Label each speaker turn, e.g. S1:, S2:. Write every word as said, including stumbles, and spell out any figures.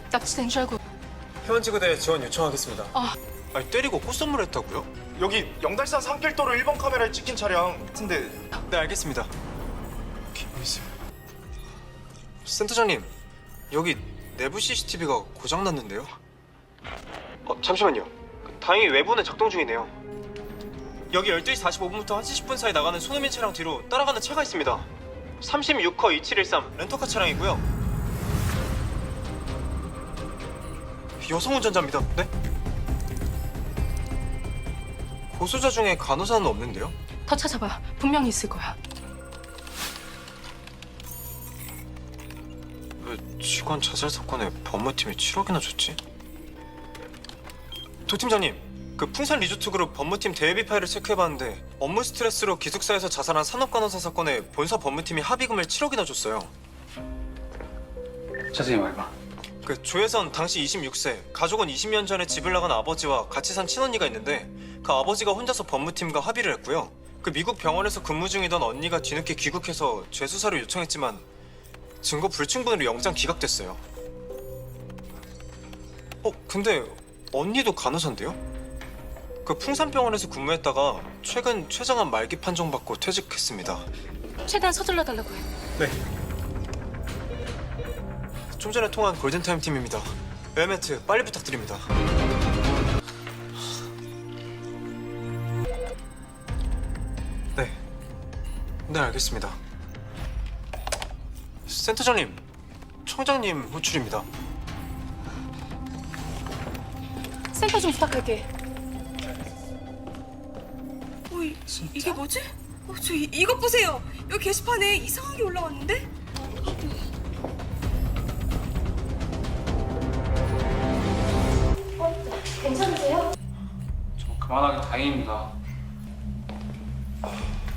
S1: 납치된 줄 알고.
S2: 해원지구대 지원 요청하겠습니다.
S1: 아.
S2: 아니 때리고 꽃선물 했다고요?
S3: 여기 영달산 산길도로 일 번 카메라에 찍힌 차량 같은데.
S2: 네 알겠습니다. 김미수. 센터장님 여기 내부 씨씨티비가 고장났는데요? 어 잠시만요. 다행히 외부는 작동 중이네요. 여기 열두 시 사십오 분부터 한 시 십 분 사이 나가는 손흥민 차량 뒤로 따라가는 차가 있습니다. 삼십육 호 이칠일삼 렌터카 차량이고요. 여성 운전자입니다. 네? 고소자 중에 간호사는 없는데요?
S1: 더 찾아봐. 분명히 있을 거야.
S2: 왜 직원 자살 사건에 법무팀이 칠억이나 줬지? 도 팀장님, 그 풍산 리조트 그룹 법무팀 대회비 파일을 체크해봤는데 업무 스트레스로 기숙사에서 자살한 산업간호사 사건에 본사 법무팀이 합의금을 칠억이나 줬어요.
S4: 자세히 말해봐.
S2: 그 조혜선 당시 이십육 세, 가족은 이십 년 전에 집을 나간 아버지와 같이 산 친언니가 있는데 그 아버지가 혼자서 법무팀과 합의를 했고요. 그 미국 병원에서 근무 중이던 언니가 뒤늦게 귀국해서 재수사를 요청했지만 증거 불충분으로 영장 기각됐어요. 어, 근데 언니도 간호사인데요? 그 풍산병원에서 근무했다가 최근 최장암 말기 판정받고 퇴직했습니다.
S1: 최대한 서둘러 달라고 해.
S2: 네. 좀 전에 통한 골든타임 팀입니다. 웰매트 빨리 부탁드립니다. 네. 네, 알겠습니다. 센터장님, 청장님 호출입니다.
S1: 센터 좀 부탁할게.
S5: 어, 이, 이게 뭐지? 어, 저 이, 이것 보세요. 여기 게시판에 이상하게 올라왔는데?
S1: 괜찮으세요?
S4: 좀 그만하기 다행입니다.